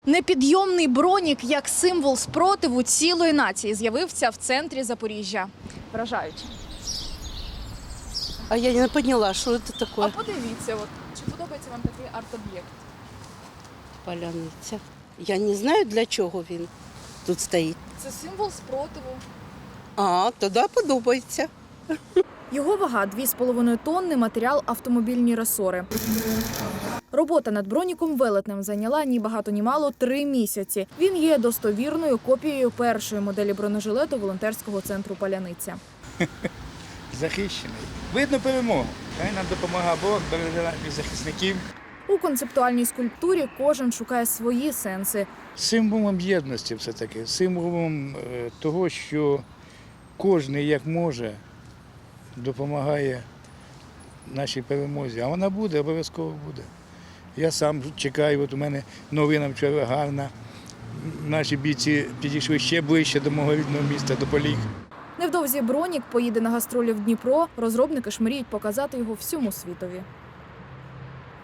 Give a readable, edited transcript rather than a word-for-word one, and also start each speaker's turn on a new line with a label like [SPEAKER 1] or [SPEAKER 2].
[SPEAKER 1] Непідйомний бронік як символ спротиву цілої нації з'явився в центрі Запоріжжя. Вражаюче.
[SPEAKER 2] А я не поняла, що це таке.
[SPEAKER 1] А подивіться, чи подобається вам такий арт-об'єкт?
[SPEAKER 2] Паляниця. Я не знаю, для чого він тут стоїть.
[SPEAKER 1] Це символ спротиву.
[SPEAKER 2] А, тоді подобається.
[SPEAKER 1] Його вага 2,5 тонни, матеріал автомобільні ресори. Робота над броніком велетнем зайняла ні багато ні мало 3 місяці. Він є достовірною копією першої моделі бронежилету волонтерського центру «Паляниця».
[SPEAKER 3] Захищений. Видно перемогу. Хай нам допомагає Бог, береже наших захисників.
[SPEAKER 1] У концептуальній скульптурі кожен шукає свої сенси.
[SPEAKER 3] Символом єдності все-таки, символом того, що кожен як може допомагає нашій перемозі. А вона буде, обов'язково буде. Я сам чекаю, от у мене новина вчора гарна. Наші бійці підійшли ще ближче до мого рідного міста, до Поліг.
[SPEAKER 1] Невдовзі бронік поїде на гастролі в Дніпро. Розробники ж мріють показати його всьому світові.